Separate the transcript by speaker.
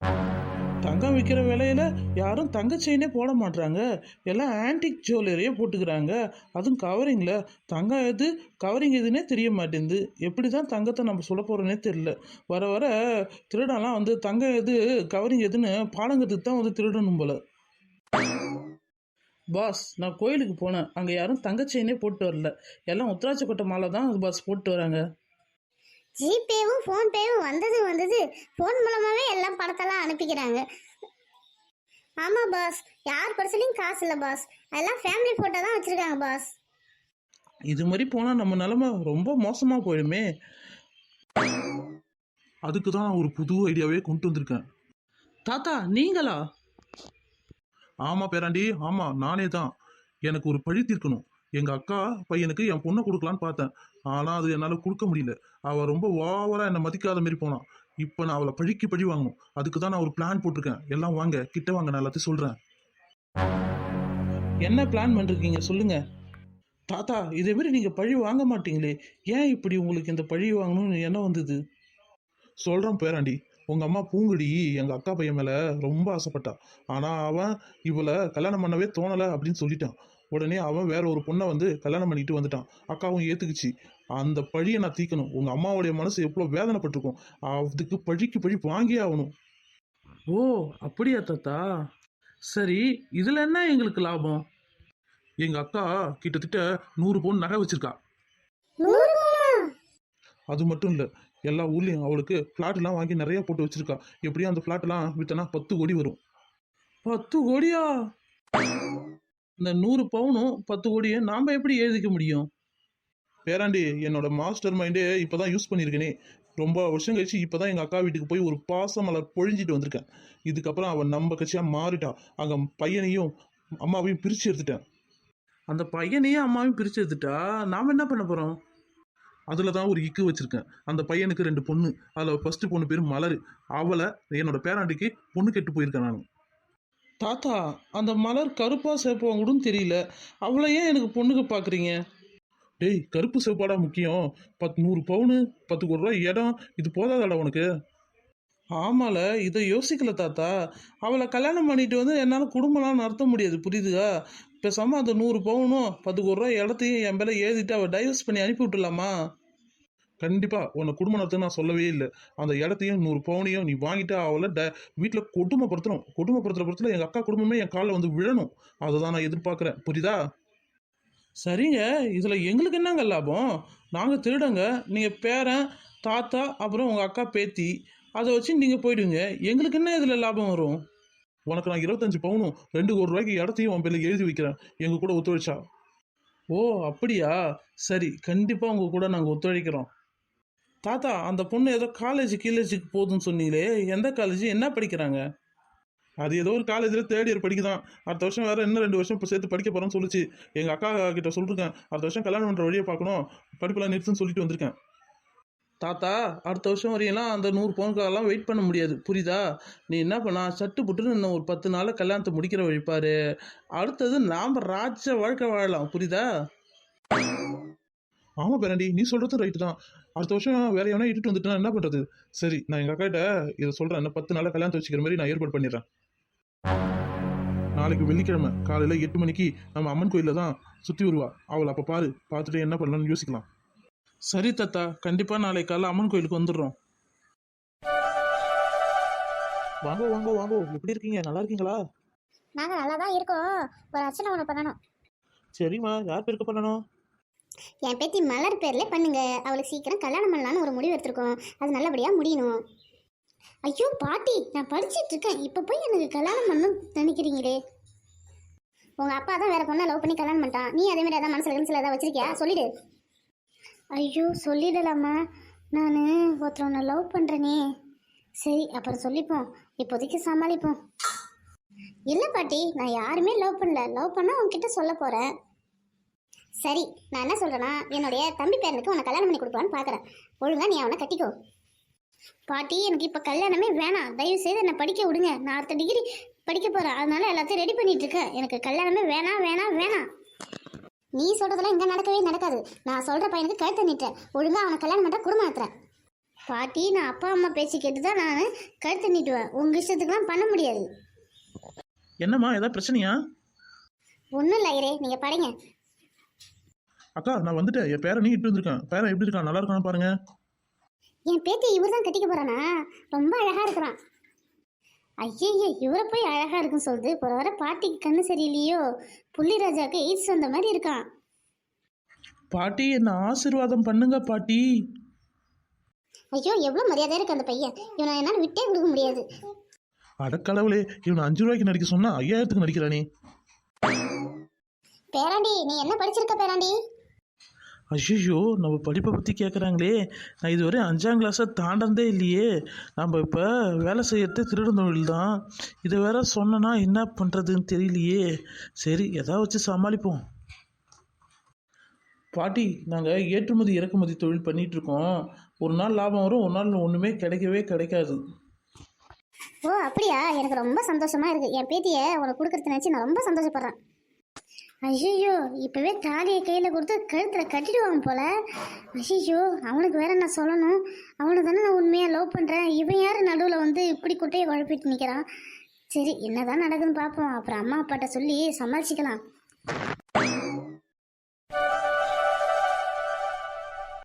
Speaker 1: தங்கம் விற்கிற விலையில யாரும் தங்க செயினே போட மாட்றாங்க. எல்லாம் ஆன்டிக் ஜுவல்லரியே போட்டுக்கிறாங்க. அதுவும் கவரிங்கில். தங்கம் எது கவரிங் எதுன்னே தெரிய மாட்டேங்குது. எப்படி தான் தங்கத்தை நம்ம சொல்ல போகிறோன்னே தெரியல. வர வர திருடெல்லாம் வந்து தங்கம் எது கவரிங் எதுன்னு பாலங்கத்துக்கு தான் வந்து திருடணும் போல. பாஸ், நான் கோயிலுக்கு போனேன். அங்கே யாரும் தங்க செயினே போட்டு வரல. எல்லாம் உத்ராட்சக்கொட்டை மாலை தான் பாஸ் போட்டு வராங்க.
Speaker 2: ஜிபேவும் ஃபோன்பேவும் வந்தது ஃபோன் மூலமாகவே எல்லாம் பணத்தெல்லாம் அனுப்பிக்கிறாங்க. ஆமாம் பாஸ், யார் பர்சனையும் காசு இல்லை பாஸ். அதெல்லாம் ஃபேமிலி ஃபோட்டோ தான் வச்சுருக்காங்க பாஸ்.
Speaker 1: இது மாதிரி போனால் நம்ம நிலமை ரொம்ப மோசமாக போயிடுமே.
Speaker 3: அதுக்கு தான் நான் ஒரு புது ஐடியாவே கொண்டு வந்திருக்கேன்.
Speaker 1: தாத்தா நீங்களா?
Speaker 3: ஆமாம் பேராண்டி, ஆமாம் நானே தான். எனக்கு ஒரு பழி தீர்க்கணும். எங்கள் அக்கா பையனுக்கு என் பொண்ணை கொடுக்கலான்னு பார்த்தேன். ஆனால் அது என்னால் கொடுக்க முடியல. அவள் ரொம்ப ஓவராக என்னை மதிக்காத மாரி போனான். இப்போ நான் அவளை பழிக்கு பழி வாங்கணும். அதுக்கு தான் நான் ஒரு பிளான் போட்டிருக்கேன். எல்லாம் வாங்க, கிட்ட வாங்க, நான் எல்லாத்தையும் சொல்கிறேன்.
Speaker 1: என்ன பிளான் பண்ணிருக்கீங்க சொல்லுங்க. தாத்தா, இதே மாதிரி நீங்கள் பழி வாங்க மாட்டீங்களே, ஏன் இப்படி உங்களுக்கு இந்த பழி வாங்கணும்னு என்ன வந்தது?
Speaker 3: சொல்கிறேன் பேராண்டி. உங்கள் அம்மா பூங்குடி எங்கள் அக்கா பையன் மேலே ரொம்ப ஆசைப்பட்டா. ஆனால் அவன் இவளை கல்யாணம் பண்ணவே தோணலை அப்படின்னு சொல்லிட்டான். உடனே அவன் வேற ஒரு பொண்ணை வந்து கல்யாணம் பண்ணிட்டு வந்துட்டான். அக்காவும் ஏற்றுக்குச்சு. அந்த பழியை நான் தீக்கணும். உங்கள் அம்மாவுடைய மனசு எவ்வளோ வேதனைப்பட்டிருக்கும். அதுக்கு பழிக்கு பழி வாங்கியே ஆகணும்.
Speaker 1: ஓ அப்படியா தாத்தா? சரி, இதில் என்ன எங்களுக்கு லாபம்?
Speaker 3: எங்கள் அக்கா கிட்டத்தட்ட 100 பவுன் நகை வச்சிருக்கா. அது மட்டும் இல்லை, எல்லா ஊர்லேயும் அவளுக்கு ஃப்ளாட்லாம் வாங்கி நிறைய போட்டு வச்சிருக்கா. எப்படியும் அந்த ஃப்ளாட்லாம் விற்றனா 10 கோடி வரும்.
Speaker 1: 10 கோடியா? இந்த 100 பவுனும் 10 கோடியும் நாம் எப்படி எழுதிக்க முடியும்?
Speaker 3: பேராண்டி, என்னோட மாஸ்டர் மைண்டே இப்போ தான் யூஸ் பண்ணியிருக்கேனே. ரொம்ப வருஷம் கழிச்சு இப்போ தான் எங்கள் அக்கா வீட்டுக்கு போய் ஒரு பாசமலர் பொழிஞ்சிட்டு வந்திருக்கேன். இதுக்கப்புறம் அவன் நம்ம கட்சியாக மாறிட்டா. அங்கே பையனையும் அம்மாவையும் பிரித்து எடுத்துட்டேன்.
Speaker 1: அந்த பையனையும் அம்மாவையும் பிரித்து எடுத்துட்டா நாம் என்ன பண்ண போகிறோம்?
Speaker 3: அதில் தான் ஒரு இக்கு வச்சுருக்கேன். அந்த பையனுக்கு 2 பொண்ணு. அதில் ஃபஸ்ட்டு பொண்ணு பேர் மலர். அவளை என்னோட பேராண்டிக்கு பொண்ணு கெட்டு போயிருக்கேன் நான்.
Speaker 1: தாத்தா, அந்த மலர் கருப்பாக சேப்பவங்க கூட தெரியல. அவளை ஏன் எனக்கு பொண்ணுக்கு பார்க்குறீங்க?
Speaker 3: டேய், கருப்பு சிவப்பாடா முக்கியம். 100 பவுனு 10 கோடி ரூபாய் இடம், இது போதாதாடா உனக்கு?
Speaker 1: ஆமால, இதை யோசிக்கல தாத்தா. அவளை கல்யாணம் பண்ணிட்டு வந்து என்னால் குடும்பம்லாம் நடத்த முடியாது, புரியுதுதா? பேசாமல் அந்த 100 பவுனும் 10 கோடி ரூபாய் இடத்தையும் என் பேரை எழுதிட்டு அவள் டைவர்ஸ் பண்ணி அனுப்பி விட்டுலாமா?
Speaker 3: கண்டிப்பாக உன்னை குடும்ப நடத்துன்னு நான் சொல்லவே இல்லை. அந்த இடத்தையும் 100 பவுனையும் நீ வாங்கிட்டு அவளை வீட்டில் கொடுமைப்படுத்தணும். கொடுமைப்படுத்துகிற படத்தில் எங்கள் அக்கா குடும்பமே என் காலில் வந்து விழணும். அதை தான் நான் எதிர்பார்க்குறேன், புரியுதா?
Speaker 1: சரிங்க, இதில் எங்களுக்கு என்னங்க லாபம்? நாங்கள் திருடங்க, நீங்கள் பேரன் தாத்தா அப்புறம் உங்கள் அக்கா பேத்தி, அதை வச்சு நீங்கள் போயிடுவீங்க. எங்களுக்கு என்ன இதில் லாபம் வரும்?
Speaker 3: உனக்கு நான் 25 பவுனும் 2 கோடி ரூபாய்க்கு இடத்தையும் உன் பேரில் எழுதி வைக்கிறேன். எங்கள் கூட ஒத்துழைச்சா?
Speaker 1: ஓ அப்படியா? சரி, கண்டிப்பாக உங்கள் கூட நாங்கள் ஒத்துழைக்கிறோம். தாத்தா, அந்த பொண்ணு ஏதோ காலேஜுக்கு போகுதுன்னு சொன்னீங்களே, எந்த காலேஜ், என்ன படிக்கிறாங்க?
Speaker 3: அது ஏதோ ஒரு காலேஜில் 3rd இயர் படிக்குதான். அடுத்த வருஷம் வேறு இன்னும் 2 வருஷம் இப்போ சேர்த்து படிக்க போகிறேன்னு சொல்லிச்சு. எங்கள் அக்கா கிட்ட சொல்லிருக்கேன், அடுத்த வருஷம் கல்யாணம் பண்ணுற வழியை பார்க்கணும், படிப்பெல்லாம் நிறுத்துன்னு சொல்லிட்டு வந்திருக்கேன்.
Speaker 1: தாத்தா, அடுத்த வருஷம் வரையெல்லாம் அந்த 100 பவுனுக்காகலாம் வெயிட் பண்ண முடியாது, புரியுதா? நீ என்ன பண்ணா, சட்டு புட்டுன்னு இன்னும் ஒரு 10 நாளில் கல்யாணத்தை முடிக்கிற வழிப்பாரு. அடுத்தது நாம் ராஜ வாழ்க்கை வாழலாம், புரியுதா?
Speaker 3: ஆமாம் பேராண்டி, நீ சொல்கிறது ரைட்டு தான். அடுத்த வருஷம் வேற எவனா இட்டுட்டு வந்துட்டு என்ன பண்ணுறது? சரி, நான் எங்கள் அக்காட்ட இதை சொல்கிறேன். இன்னும் 10 நாளில் கல்யாணத்தை வச்சுக்கிற மாதிரி நான் ஏற்பாடு பண்ணிடுறேன். நாளைக்கு வெள்ளிக்கிழமை காலையில் 8 மணிக்கு நம்ம அம்மன் கோயிலில் தான் சுற்றி வருவா. அவளை அப்போ பாரு, பார்த்துட்டு என்ன பண்ணலாம்னு யோசிக்கலாம்.
Speaker 1: சரி தாத்தா, கண்டிப்பாக நாளைக்கு காலைல அம்மன் கோயிலுக்கு வந்துடுறோம்.
Speaker 3: வாங்கோ வாங்கோ வாங்கோ, எப்படி இருக்கீங்க? நல்லா இருக்கீங்களா?
Speaker 2: நாங்கள் நல்லா தான் இருக்கோம். ஒரு அர்ச்சனை ஒன்று பண்ணணும்.
Speaker 3: சரிம்மா, யார் பேருக்கு பண்ணணும்?
Speaker 2: என் பேத்தி மலர் பேரில் பண்ணுங்க. அவளுக்கு சீக்கிரம் கல்யாணம் பண்ணலான்னு ஒரு முடிவு எடுத்திருக்கோம். அது நல்லபடியாக முடியணும். ஐயோ பாட்டி, நான் படிச்சுட்டு இருக்கேன், இப்போ போய் எனக்கு கல்யாணம் பண்ணணும் நினைக்கிறீங்களே? உங்கள் அப்பா தான் வேற பொண்ணை லவ் பண்ணி கல்யாணம் பண்ணிட்டான். நீ அதே மாதிரி ஏதாவது மனசில் ஏதாவது வச்சிருக்கியா? சொல்லிடு. ஐயோ சொல்லிடலாமா? நான் ஒருத்தர் ஒன்று லவ் பண்ணுறேனே. சரி, அப்புறம் சொல்லிப்போம், இப்போதைக்கு சமாளிப்போம். இல்லை பாட்டி, நான் யாருமே லவ் பண்ணல. லவ் பண்ணால் உங்ககிட்ட சொல்ல போகிறேன். சரி, நான் என்ன சொல்கிறேன்னா, என்னுடைய தம்பி பேரனுக்கு உன்னை கல்யாணம் பண்ணி கொடுக்கலான்னு பார்க்குறேன். ஒழுங்கா நீ அவனை கட்டிக்கோ. பாட்டி, எனக்கு இப்போ கல்யாணமே வேணாம். தயவு செய்து என்னை படிக்க விடுங்க. நான் அடுத்த டிகிரி படிக்க போகிறேன், அதனால எல்லாத்தையும் ரெடி பண்ணிட்டு இருக்கேன். எனக்கு கல்யாணமே வேணாம் வேணாம் வேணாம். நீ சொல்கிறதெல்லாம் இங்கே நடக்கவே நடக்காது. நான் சொல்கிற பையனுக்கு கழுத்தை நீட்டேன். ஒழுங்கா அவனை கல்யாணம் பண்ணுற குடும்பம் நடத்துறேன். பாட்டி நான் அப்பா அம்மா பேச்சு கேட்டு தான் நான் கழுத்து நீட்டுவேன். உங்கள் இஷ்டத்துக்குலாம் பண்ண முடியாது.
Speaker 1: என்னம்மா ஏதாவது பிரச்சனையா?
Speaker 2: ஒன்றும் இல்லை ஐயரே, நீங்கள் படைங்க.
Speaker 3: அக்கா நான் வந்துட்டேன். என் பேரன் இட்டு வந்திருக்கேன். பேரன் எப்படி இருக்கான்? நல்லா இருக்கான்னு பாருங்க.
Speaker 2: என் பேத்தி இவர் தான் கட்டிக்க போகிறானா? ரொம்ப அழகாக இருக்கிறான். ஐயய்ய, இவரை போய் அழகாக இருக்குன்னு சொல்லுது. ஒரு வர பாட்டிக்கு கண்ணு சரியில்லையோ? புள்ளிராஜாவுக்கு எய்ட்ஸ் வந்த மாதிரி இருக்கான்.
Speaker 1: பாட்டி என்ன ஆசீர்வாதம் பண்ணுங்க பாட்டி.
Speaker 2: ஐயோ, எவ்வளோ மரியாதையாக இருக்கு அந்த பையன். இவனை என்னால் விட்டே கொடுக்க முடியாது.
Speaker 3: அடக்கடவுளே, இவனை 5 ரூபாய்க்கு நடிக்க சொன்னா 5000க்கு நடிக்கிறானே.
Speaker 2: பேராண்டி, நீ என்ன படிச்சிருக்க பேராண்டி?
Speaker 1: ஐயோ, நம்ம படிப்பை பற்றி கேட்குறாங்களே. நான் இதுவரை 5ஆம் கிளாஸை தாண்டதே இல்லையே. நம்ம இப்போ வேலை செய்யறது திருடன் தொழில் தான். இதை வேற சொன்னனா என்ன பண்ணுறதுன்னு தெரியலையே. சரி, எதாவது வச்சு சமாளிப்போம். பாட்டி, நாங்கள் ஏற்றுமதி இறக்குமதி தொழில் பண்ணிகிட்ருக்கோம். ஒரு நாள் லாபம் வரும், ஒரு நாள் ஒன்றுமே கிடைக்கவே கிடைக்காது.
Speaker 2: ஓ அப்படியா? எனக்கு ரொம்ப சந்தோஷமா இருக்கு. என் பேத்தியை உனக்கு கொடுக்கறது நினச்சி நான் ரொம்ப சந்தோஷப்படுறேன். ஐயோ, இப்போவே தாலியை கையில் கொடுத்து கழுத்தில் கட்டிடுவாங்க போல. ஐயோ, அவனுக்கு வேற நான் சொல்லணும். அவனை தானே நான் உண்மையாக லவ் பண்ணுறேன். இவன் யார் நடுவில் வந்து இப்படி குட்டையை குழப்பிட்டு நிற்கிறான். சரி, என்னதான் நடக்குதுன்னு பார்ப்போம். அப்புறம் அம்மா அப்பாட்ட சொல்லி சமாளிச்சிக்கலாம்.